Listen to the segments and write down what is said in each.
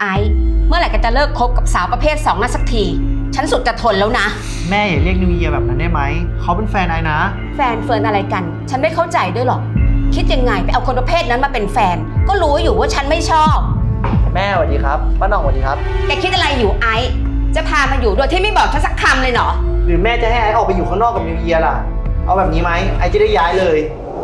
ไอซ์เมื่อไหร่ก็จะเลิกคบกับสาวประเภท2นั่นสักทีฉันสุดจะทนแล้วนะแม่อย่าเรียกนิวเยียร์แบบนั้นได้ไหมเขาเป็นแฟนไอ้นะแฟนเฟิร์นอะไรกันฉันไม่เข้าใจด้วยหรอกคิดยังไงไปเอาคนประเภทนั้นมาเป็นแฟนก็รู้อยู่ว่าฉันไม่ชอบแม่สวัสดีครับป้าหน่องสวัสดีครับแกคิดอะไรอยู่ไอซ์จะพามาอยู่โดยที่ไม่บอกฉันสักคำเลยเหรอหรือแม่จะให้ไอ้ออกไปอยู่ข้างนอกกับนิวเยียร์ล่ะเอาแบบนี้ไหมไอ้จะได้ย้ายเลย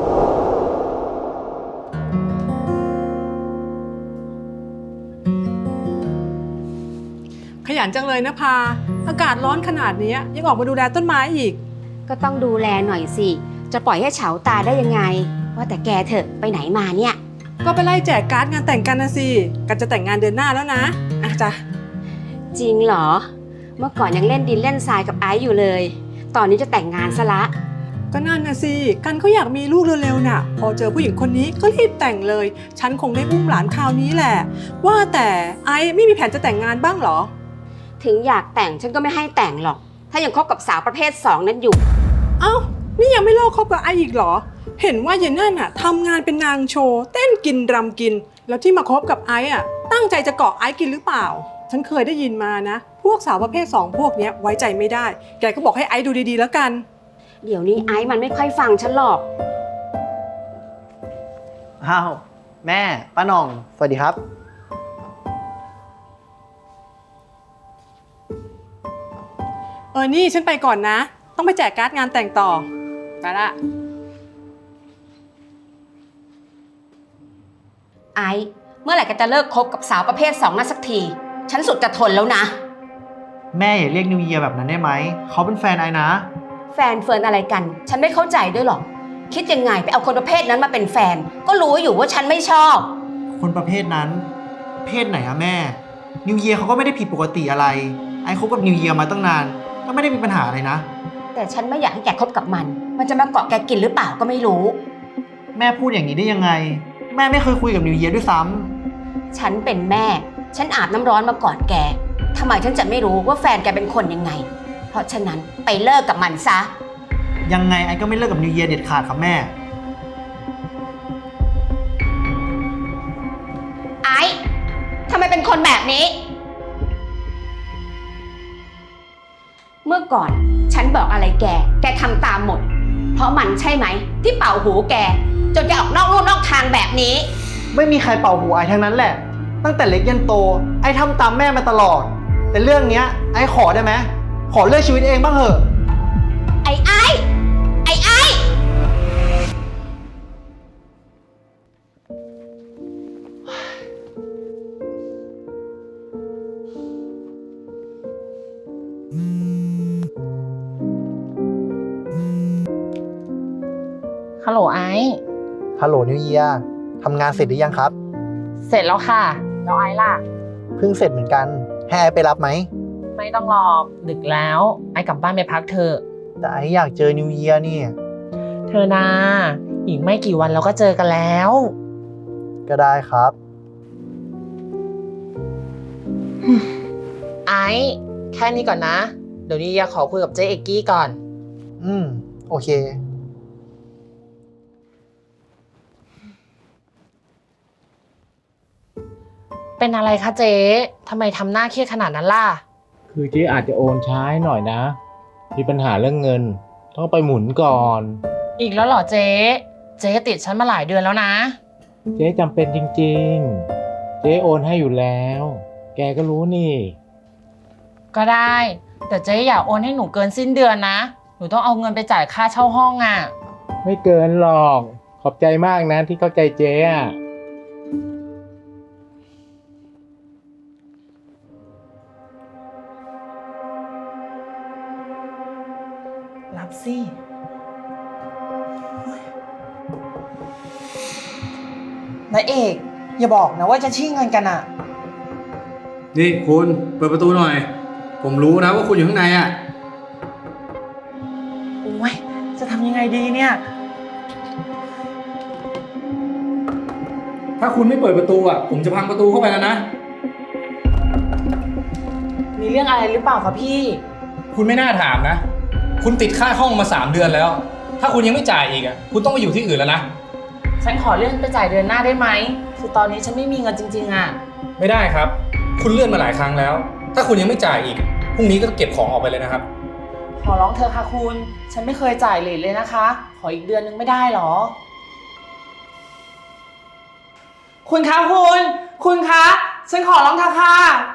ขยันจังเลยนะพาอากาศร้อนขนาดนี้ยังออกมาดูแลต้นไม้อีกก็ต้องดูแลหน่อยสิจะปล่อยให้เฉาตาได้ยังไงว่าแต่แกเถอะไปไหนมาเนี่ยก็ไปไล่แจกการ์ดงานแต่งกันนะสิกันจะแต่งงานเดือนหน้าแล้วนะอ่ะจ้ะจริงเหรอเมื่อก่อนยังเล่นดินเล่นทรายกับไอซ์อยู่เลยตอนนี้จะแต่งงานซะละก็นั่นนะสิกันเขาอยากมีลูกเร็วๆน่ะพอเจอผู้หญิงคนนี้ก็รีบแต่งเลยฉันคงได้อุ้มหลานคราวนี้แหละว่าแต่ไอซ์ไม่มีแผนจะแต่งงานบ้างเหรอถึงอยากแต่งฉันก็ไม่ให้แต่งหรอกถ้ายังคบกับสาวประเภท2นั้นอยู่เอ้านี่ยังไม่เลิกคบกับไอซ์อีกเหรอเห็นว่าเย็นนั่นน่ะทำงานเป็นนางโชว์เต้นกินรำกินแล้วที่มาคบกับไอซ์อ่ะตั้งใจจะเกาะไอซ์กินหรือเปล่าฉันเคยได้ยินมานะพวกสาวประเภท2พวกนี้ไว้ใจไม่ได้แกก็บอกให้ไอซ์ดูดีๆแล้วกันเดี๋ยวนี้ไอซ์มันไม่ค่อยฟังฉันหรอกอ้าวแม่ป้าหน่องสวัสดีครับนี่ฉันไปก่อนนะต้องไปแจกการ์ดงานแต่งต่อไปละไอซ์เมื่อไหร่ก็จะเลิกคบกับสาวประเภท2นั่นสักทีฉันสุดจะทนแล้วนะแม่อย่าเรียกนิวเยียร์แบบนั้นได้ไหมเขาเป็นแฟนไอ้นะแฟนเฟิร์นอะไรกันฉันไม่เข้าใจด้วยหรอกคิดยังไงไปเอาคนประเภทนั้นมาเป็นแฟนก็รู้อยู่ว่าฉันไม่ชอบคนประเภทนั้นเพศไหนอะแม่นิวเยียร์เขาก็ไม่ได้ผิดปกติอะไรไอ้คบกับนิวเยียร์มาตั้งนานก็ไม่ได้มีปัญหาอะไรนะแต่ฉันไม่อยากให้แกคบกับมันจะมาเกาะแกกินหรือเปล่าก็ไม่รู้แม่พูดอย่างนี้ได้ยังไงแม่ไม่เคยคุยกับนิวเยียร์ด้วยซ้ำฉันเป็นแม่ฉันอาบน้ำร้อนมาก่อนแกทำไมฉันจะไม่รู้ว่าแฟนแกเป็นคนยังไงเพราะฉะนั้นไปเลิกกับมันซะยังไงไอ้ก็ไม่เลิกกับนิวเยียร์เด็ดขาดครับแม่ไอ้ทำไมเป็นคนแบบนี้เมื่อก่อนฉันบอกอะไรแกทำตามหมดเพราะมันใช่ไหมที่เป่าหูแกจนแกออกนอกลู่นอกทางแบบนี้ไม่มีใครเป่าหูไอ้ทั้งนั้นแหละตั้งแต่เล็กยันโตไอ้ทำตามแม่มาตลอดแต่เรื่องเนี้ยไอ้ขอได้ไหมขอเลือกชีวิตเองบ้างเถอะไอ้ฮัลโหลไอซ์ฮัลโหลนิวเยียร์ทำงานเสร็จหรือยังครับเสร็จแล้วค่ะแล้วไอซ์ล่ะเพิ่งเสร็จเหมือนกันให้ไอไปรับไหมไม่ต้องรอดึกแล้วไอซ์กลับบ้านไปพักเถอะแต่ไออยากเจอนิวเยียร์นี่เธอนาอีกไม่กี่วันเราก็เจอกันแล้วก็ได้ครับไอซ์แค่นี้ก่อนนะเดี๋ยวนี้อยากขอคุยกับเจ๊เอกกี้ก่อนโอเคเป็นอะไรคะเจ๊ทำไมทำหน้าเครียดขนาดนั้นล่ะคือเจ๊อาจจะโอนช้าหน่อยนะมีปัญหาเรื่องเงินต้องไปหมุนก่อนอีกแล้วเหรอเจ๊ติดฉันมาหลายเดือนแล้วนะเจ๊จำเป็นจริงๆเจ๊โอนให้อยู่แล้วแกก็รู้นี่ก็ได้แต่เจ๊อย่าโอนให้หนูเกินสิ้นเดือนนะหนูต้องเอาเงินไปจ่ายค่าเช่าห้องอ่ะไม่เกินหรอกขอบใจมากนะที่เข้าใจเจ๊อะรับสินายเอกอย่าบอกนะว่าจะชี้เงินกันอ่ะนี่คุณเปิดประตูหน่อยผมรู้นะว่าคุณอยู่ข้างในอ่ะโอ้ยจะทำยังไงดีเนี่ยถ้าคุณไม่เปิดประตูอ่ะผมจะพังประตูเข้าไปแล้วนะมีเรื่องอะไรหรือเปล่าคะพี่คุณไม่น่าถามนะคุณติดค่าห้องมา3 เดือนแล้วถ้าคุณยังไม่จ่ายอีกอ่ะคุณต้องไปอยู่ที่อื่นแล้วนะฉันขอเลื่อนไปจ่ายเดือนหน้าได้ไหมคือตอนนี้ฉันไม่มีเงินจริงๆอ่ะไม่ได้ครับคุณเลื่อนมาหลายครั้งแล้ว ถ้าคุณยังไม่จ่ายอีก พรุ่งนี้ก็เก็บของออกไปเลยนะครับขอร้องเธอะค่ะคุณ ฉันไม่เคยจ่ายเลทเลยนะคะ ขออีกเดือนนึงไม่ได้หรอ คุณคะคุณคะ ฉันขอร้องเธอะค่ะ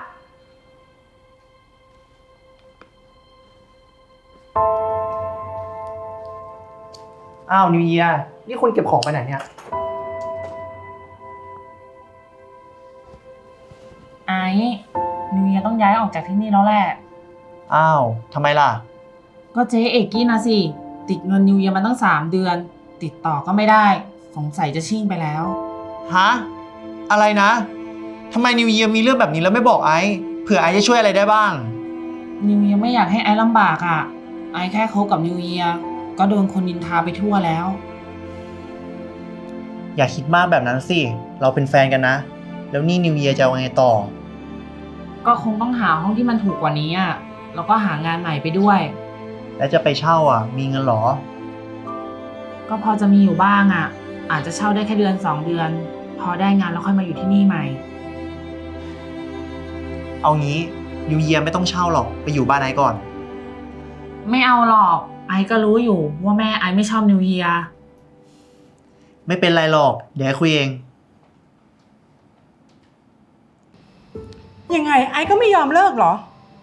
อ้าวนิวเยียนี่คุณเก็บของไปไหนเนี่ยไอ้นิวเยียต้องย้ายออกจากที่นี่แล้วแหละอ้าวทำไมล่ะก็เจ๊เอกกี้นะสิ ติดเงินนิวเยียมาตั้ง3 เดือน ติดต่อก็ไม่ได้ สงสัยจะชิ่งไปแล้วฮะ อะไรนะทำไมนิวเยียมีเรื่องแบบนี้แล้วไม่บอกไอซ์เผื่อไอซ์จะช่วยอะไรได้บ้างนิวเยียไม่อยากให้ไอ้ลำบากอ่ะ ไอ้แค่คบกับนิวเยียก็โดนคนนินทาไปทั่วแล้วอย่าคิดมากแบบนั้นสิ เราเป็นแฟนกันนะ แล้วนี่นิวเยียจะเอาไงต่อก็คงต้องหาห้องที่มันถูกกว่านี้อ่ะ แล้วก็หางานใหม่ไปด้วยแล้วจะไปเช่าอ่ะ มีเงินเหรอก็พอจะมีอยู่บ้างอ่ะ อาจจะเช่าได้แค่เดือน2 เดือน พอได้งานแล้วค่อยมาอยู่ที่นี่ใหม่เอางี้นิวเยียไม่ต้องเช่าหรอก ไปอยู่บ้านไอซ์ก่อนไม่เอาหรอก ไอ้ก็รู้อยู่ว่าแม่ไอ้ไม่ชอบนิวเยียไม่เป็นไรหรอก เดี๋ยวไอซ์คุยเองยังไงไอซ์ก็ไม่ยอมเลิกเหรอ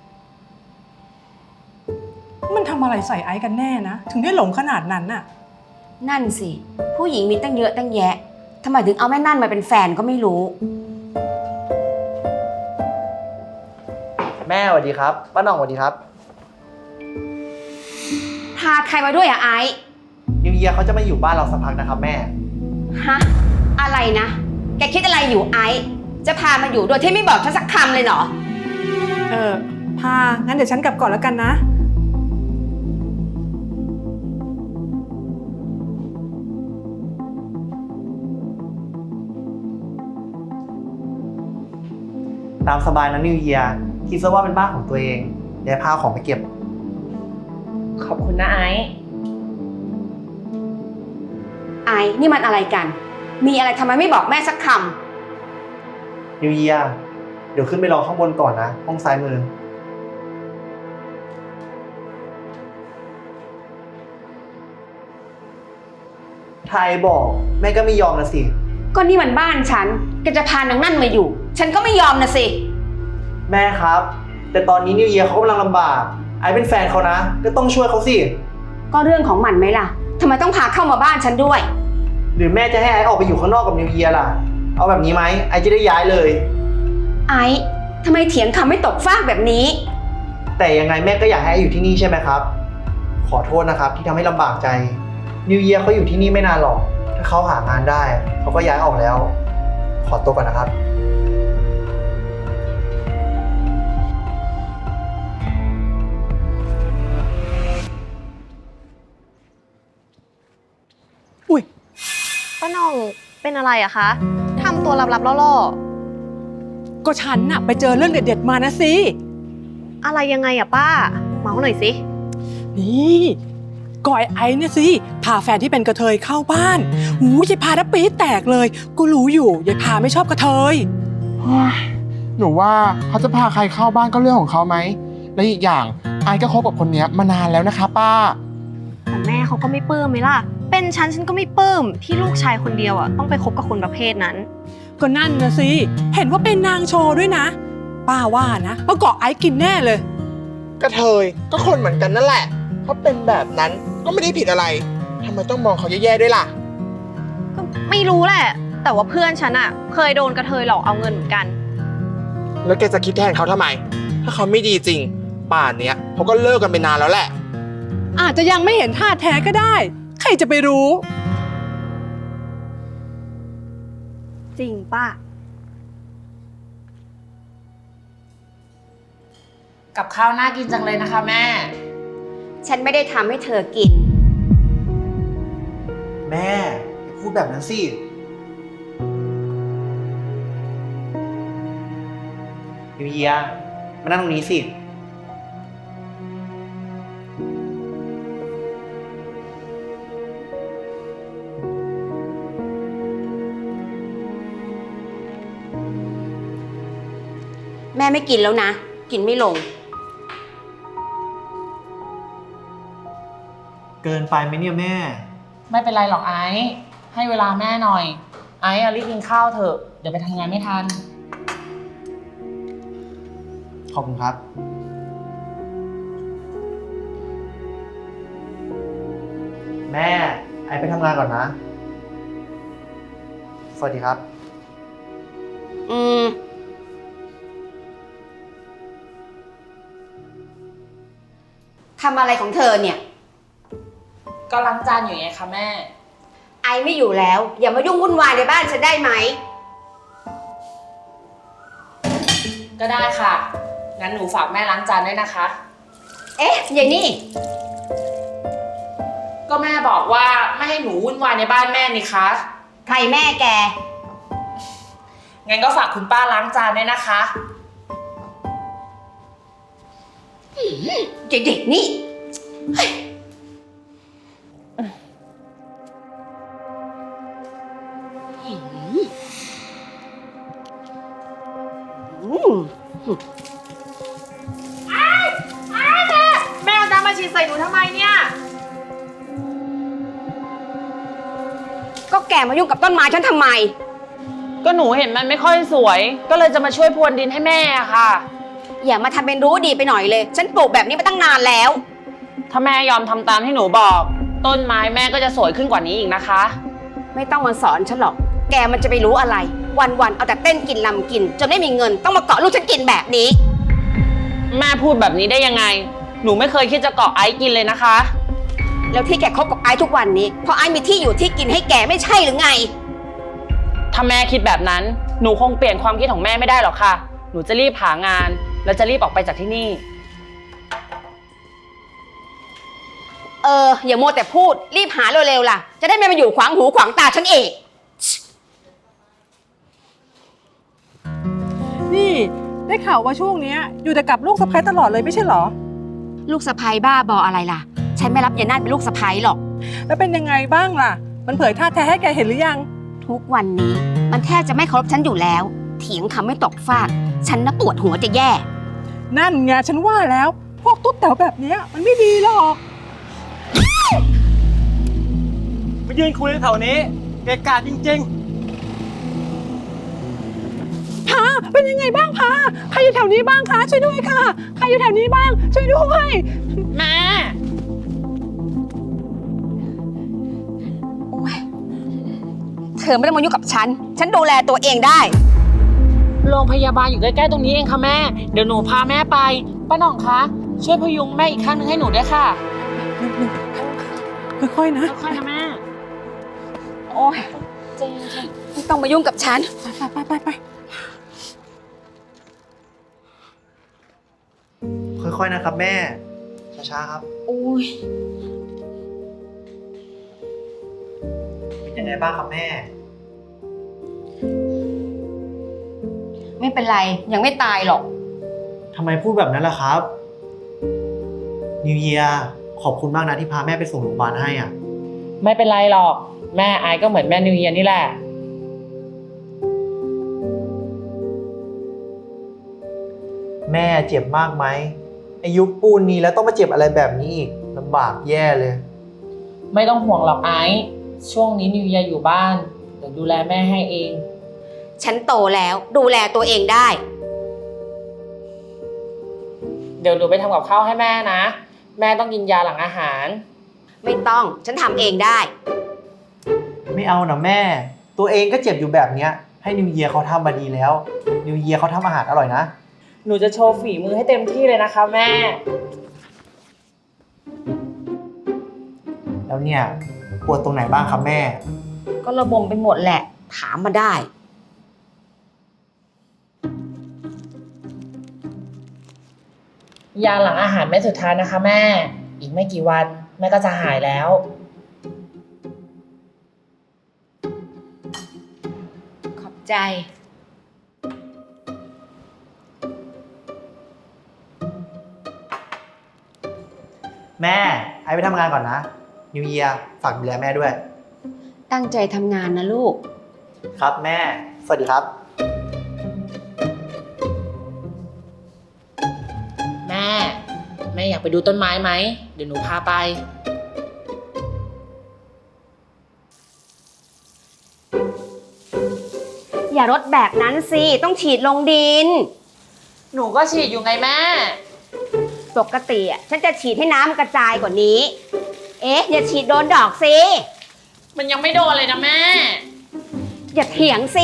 มันทำอะไรใส่ไอซ์กันแน่นะ ถึงได้หลงขนาดนั้นน่ะนั่นสิ ผู้หญิงมีตั้งเยอะตั้งแยะทำไมถึงเอาแม่นั่นมาเป็นแฟนก็ไม่รู้แม่สวัสดีครับป้าหน่องสวัสดีครับพาใครมาด้วยอะไอซ์นิวเยียเขาจะมาอยู่บ้านเราสักพักนะครับแม่ฮะ อะไรนะ แกคิดอะไรอยู่ไอซ์จะพามาอยู่โดยที่ไม่บอกฉันสักคำเลยเหรอพา งั้นเดี๋ยวฉันกลับก่อนแล้วกันนะตามสบายนะนิวเยียคิดซะว่าเป็นบ้านของตัวเองเดี๋ยวพาของไปเก็บขอบคุณนะไอ้ไอซ์นี่มันอะไรกัน มีอะไรทำไมไม่บอกแม่สักคนิวเยียเดี๋ยวขึ้นไปรอข้างบนก่อนนะ ห้องซ้ายมือ ถ้าไอบอกแม่ก็ไม่ยอมนะสิำก็นี่มันบ้านฉันแกจะพานางนั่นมาอยู่ ฉันก็ไม่ยอมนะสิแม่ครับ แต่ตอนนี้นิวเยียเขากำลังลำบาก ไอเป็นแฟนเขานะ ก็ต้องช่วยเขาสิก็เรื่องของมันไหมล่ะทำไมต้องพาเข้ามาบ้านฉันด้วยหรือแม่จะให้ไอออกไปอยู่ข้างนอกกับนิวเยียล่ะ เอาแบบนี้ไหมไอจะได้ย้ายเลยไอซ์ทำไมเถียงคำไม่ตกฟากแบบนี้แต่ยังไงแม่ก็อยากให้ไออยู่ที่นี่ใช่ไหมครับ ขอโทษนะครับที่ทำให้ลำบากใจ นิวเยียเขาอยู่ที่นี่ไม่นานหรอก ถ้าเขาหางานได้เขาก็ย้ายออกแล้ว ขอตัวก่อนนะครับอุ้ยป้าหน่องเป็นอะไรอะคะทำตัวลับๆล่อก็ฉันน่ะไปเจอเรื่องเด็ดๆมานะสิๆอะไรยังไงอะป้า เมาหน่อยสินี่ก่อยไอ้เนี่ยสิ พาแฟนที่เป็นกระเทยเข้าบ้านหูยายพาแล้วปี๊ดแตกเลย ก็รู้อยู่ยายพาไม่ชอบกระเทยหนูว่าเขาจะพาใครเข้าบ้านก็เรื่องของเขาไหม และอีกอย่างไอ้ก็คบกับคนเนี้ยมานานแล้วนะคะป้าแต่แม่เขาก็ไม่ปลื้มไหมล่ะ เป็นฉันก็ไม่ปลื้มที่ลูกชายคนเดียวอะต้องไปคบกับคนประเภทนั้นก็นั่นนะสิ เห็นว่าเป็นนางโชว์ด้วยนะ ป้าว่านะว่าเกาะไอ้กินแน่เลยกระเทยก็คนเหมือนกันนั่นแหละเขาเป็นแบบนั้นก็ไม่ได้ผิดอะไรทำไมต้องมองเขาแย่ๆด้วยล่ะก็ไม่รู้แหละ แต่ว่าเพื่อนฉันอะเคยโดนกระเทยหลอกเอาเงินเหมือนกันแล้วแกจะคิดแทนเขาทำไม ถ้าเขาไม่ดีจริง ป่านเนี้ยเขาก็เลิกกันไปนานแล้วแหละอาจจะยังไม่เห็นท่าแท้ก็ได้ ใครจะไปรู้จริงป้ากับข้าวน่ากินจังเลยนะคะแม่ฉันไม่ได้ทำให้เธอกินแม่อย่าพูดแบบนั้นสิ นิวเยียมานั่งตรงนี้สิแม่ไม่กินแล้วนะ กินไม่ลงเกินไปไหมเนี่ยแม่ไม่เป็นไรหรอกไอซ์ให้เวลาแม่หน่อย ไอซ์รีบกินข้าวเถอะ เดี๋ยวไปทำงานไม่ทันขอบคุณครับ แม่ไอไปทำงานก่อนนะ สวัสดีครับทำอะไรของเธอเนี่ยก็ล้างจานอยู่ไงคะแม่ไอไม่อยู่แล้ว อย่ามายุ่งวุ่นวายในบ้านฉันได้ไหมก็ได้ค่ะ งั้นหนูฝากแม่ล้างจานด้วยนะคะเอ๊ะอย่างนี้ก็แม่บอกว่าไม่ให้หนูวุ่นวายในบ้านแม่นี่คะใครแม่แกงั้นก็ฝากคุณป้าล้างจานด้วยนะคะเด็กๆนี่เฮ้ยอืมแม่เอาน้ำมาฉีดใส่หนูทำไมเนี่ยก็แกมายุ่งกับต้นไม้ฉันทำไมก็หนูเห็นมันไม่ค่อยสวย ก็เลยจะมาช่วยพรวนดินให้แม่อะค่ะอย่ามาทำเป็นรู้ดีไปหน่อยเลย ฉันปลูกแบบนี้มาตั้งนานแล้วถ้าแม่ยอมทำตามที่หนูบอก ต้นไม้แม่ก็จะสวยขึ้นกว่านี้อีกนะคะไม่ต้องมาสอนฉันหรอก แกมันจะไปรู้อะไร วันๆเอาแต่เต้นกินลำกิน จนไม่มีเงินต้องมาเกาะลูกฉันกินแบบนี้แม่พูดแบบนี้ได้ยังไง หนูไม่เคยคิดจะเกาะไอซ์กินเลยนะคะแล้วที่แกคบกับไอ้ทุกวันนี้เพราะไอ้มีที่อยู่ที่กินให้แกไม่ใช่หรือไงถ้าแม่คิดแบบนั้น หนูคงเปลี่ยนความคิดของแม่ไม่ได้หรอกค่ะ หนูจะรีบหางาน แล้วจะรีบออกไปจากที่นี่อย่ามัวแต่พูดรีบหาเร็วๆล่ะ จะได้ไม่มาอยู่ขวางหูขวางตาฉันเองนี่ได้ข่าวว่าช่วงเนี้ยอยู่แต่กับลูกสะใภ้ตลอดเลยไม่ใช่เหรอลูกสะใภ้บ้าบออะไรล่ะ ฉันไม่รับยายนาฏเป็นลูกสะใภ้หรอกแล้วเป็นยังไงบ้างล่ะ มันเผยท่าแท้ให้แกเห็นหรือยังทุกวันนี้มันแทบจะไม่เคารพฉันอยู่แล้ว เถียงคำไม่ตกฟากฉันน่ะปวดหัวจะแย่นั่นไงฉันว่าแล้ว พวกตุ๊ดแต๋วแบบเนี้ยมันไม่ดีหรอกมายืนคุยแถวนี้เกะกะจริงพาเป็นยังไงบ้างพาใครอยู่แถวนี้บ้างคะช่วยด้วยค่ะใครอยู่แถวนี้บ้างช่วยด้วยแม่เธอไม่ต้องมายุ่งกับฉัน ฉันดูแลตัวเองได้โรงพยาบาลอยู่ใกล้ๆตรงนี้เองค่ะแม่ เดี๋ยวหนูพาแม่ไป ป้าหน่องคะ ช่วยพยุงแม่อีกข้างนึงให้หนูด้วยค่ะค่อยๆนะค่อยๆนะแม่โอ้ยไม่ต้องมายุ่งกับฉันไปค่อยๆนะครับแม่ ช้าๆครับโอ้ยเป็นยังไงบ้างครับแม่ไม่เป็นไรยังไม่ตายหรอกทำไมพูดแบบนั้นล่ะครับนิวเยียขอบคุณมากนะที่พาแม่ไปส่งโรงพยาบาลให้อ่ะไม่เป็นไรหรอก แม่ไอซ์ก็เหมือนแม่นิวเยียร์นี่แหละแม่เจ็บมากไหมอายุปูนนี้แล้วต้องมาเจ็บอะไรแบบนี้อีกลำบากแย่เลยไม่ต้องห่วงหรอกไอซ์ช่วงนี้นิวเยียร์อยู่บ้าน เดี๋ยวดูแลแม่ให้เองฉันโตแล้วดูแลตัวเองได้เดี๋ยวหนูไปทำกับข้าวให้แม่นะ แม่ต้องกินยาหลังอาหารไม่ต้องฉันทำเองได้ไม่เอานะแม่ ตัวเองก็เจ็บอยู่แบบเนี้ยให้นิวเยียเขาทำมาดีแล้วนิวเยียเขาทำอาหารอร่อยนะหนูจะโชว์ฝีมือให้เต็มที่เลยนะคะแม่แล้วเนี่ยปวดตรงไหนบ้างครับแม่ก็ระบมไปหมดแหละ ถามมาได้ยาหลังอาหารเม็ดสุดท้ายนะคะแม่ อีกไม่กี่วันแม่ก็จะหายแล้วขอบใจแม่ไอไปทำงานก่อนนะนิวเยียฝากดูแลแม่ด้วยตั้งใจทำงานนะลูกครับแม่ สวัสดีครับากไปดูต้นไม้ไหม เดี๋ยวหนูพาไปอย่ารดแบบนั้นสิ ต้องฉีดลงดินหนูก็ฉีดอยู่ไงแม่ปกติอ่ะฉันจะฉีดให้น้ำกระจายกว่านี้ เอ๊ะ อย่าฉีดโดนดอกสิมันยังไม่โดนเลยนะแม่อย่าเถียงสิ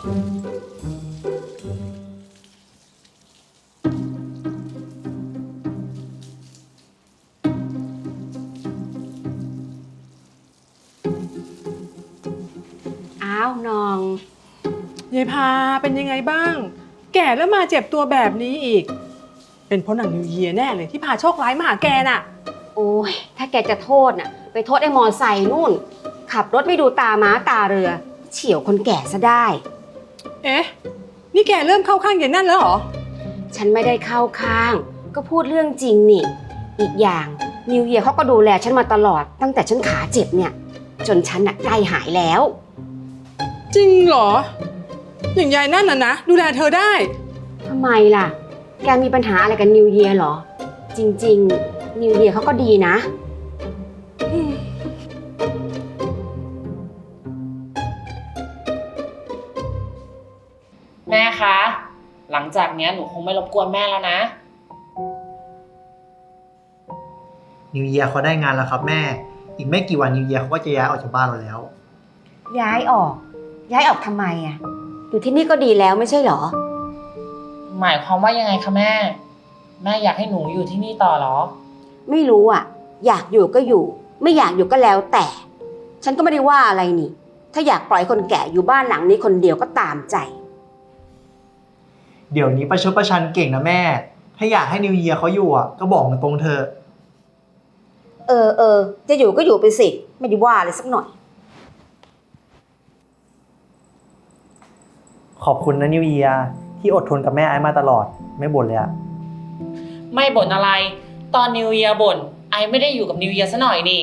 อ้าวน้องยายพาเป็นยังไงบ้าง แก่แล้วมาเจ็บตัวแบบนี้อีก เป็นเพราะหนังนิวเยียร์แน่เลยที่พาโชคร้ายมาหาแกน่ะโอ้ย ถ้าแกจะโทษน่ะ ไปโทษไอ้มอไซค์นู่น ขับรถไม่ดูตาม้าตาเรือ เฉี่ยวคนแก่ซะได้เอ๊ะ นี่แกเริ่มเข้าข้างยายนั่นแล้วเหรอฉันไม่ได้เข้าข้าง ก็พูดเรื่องจริงนี่ อีกอย่างนิวเยียร์เขาก็ดูแลฉันมาตลอด ตั้งแต่ฉันขาเจ็บเนี่ย จนฉันน่ะใกล้หายแล้วจริงเหรอ อย่างยายนั่นน่ะนะดูแลเธอได้ทำไมล่ะ แกมีปัญหาอะไรกับนิวเยียร์เหรอ จริงๆนิวเยียร์เขาก็ดีนะแม่คะ หลังจากเนี้ยหนูคงไม่รบกวนแม่แล้วนะนิวเยียร์เขาได้งานแล้วครับแม่ อีกไม่กี่วันนิวเยียร์เขาก็จะย้ายออกจากบ้านเราแล้วย้ายออก ย้ายออกทำไมอ่ะ อยู่ที่นี่ก็ดีแล้วไม่ใช่เหรอหมายความว่ายังไงคะแม่ แม่อยากให้หนูอยู่ที่นี่ต่อเหรอไม่รู้อ่ะ อยากอยู่ก็อยู่ ไม่อยากอยู่ก็แล้วแต่ ฉันก็ไม่ได้ว่าอะไรนี่ ถ้าอยากปล่อยคนแก่อยู่บ้านหลังนี้คนเดียวก็ตามใจเดี๋ยวนี้ประชดประชันเก่งนะแม่ ถ้าอยากให้นิวเยียร์เขาอยู่อ่ะก็บอกตรงๆเถอะเออ จะอยู่ก็อยู่ไปสิ ไม่ได้ว่าเลยสักหน่อยขอบคุณนะนิวเยียร์ที่อดทนกับแม่ไอ้มาตลอด ไม่บ่นเลยอะไม่บ่นอะไร ตอนนิวเยียร์บ่นไอไม่ได้อยู่กับนิวเยียร์ซะหน่อยนี่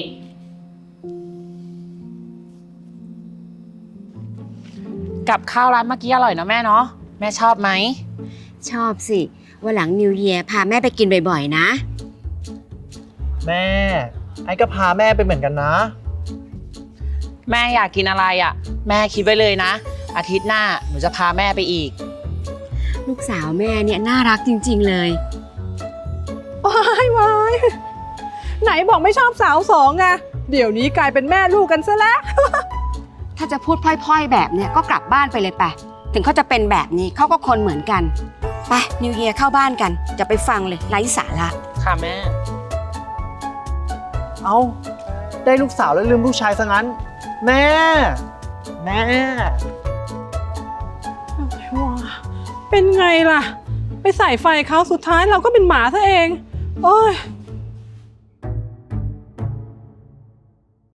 กับข้าวร้านเมื่อกี้อร่อยนะแม่เนาะ แม่ชอบไหมชอบสิวันหลังนิวเยียร์พาแม่ไปกินบ่อยๆนะแม่ไอ้ก็พาแม่ไปเหมือนกันนะแม่อยากกินอะไรอ่ะ แม่คิดไว้เลยนะ อาทิตย์หน้าหนูจะพาแม่ไปอีกลูกสาวแม่เนี่ยน่ารักจริงๆเลยวายไหนบอกไม่ชอบสาวสองไงเดี๋ยวนี้กลายเป็นแม่ลูกกันซะแล้วถ้าจะพูดพล่อยๆแบบเนี่ยก็กลับบ้านไปเลยไป ถึงเขาจะเป็นแบบนี้เขาก็คนเหมือนกัน ไปนิวเยียร์เข้าบ้านกัน จะไปฟังเลยไร้สาระค่ะแม่เอ้า ได้ลูกสาวแล้วลืมลูกชายซะงั้น แม่ แม่เป็นไงล่ะ ไปใส่ไฟเขาสุดท้ายเราก็เป็นหมาซะเอง โอ้ย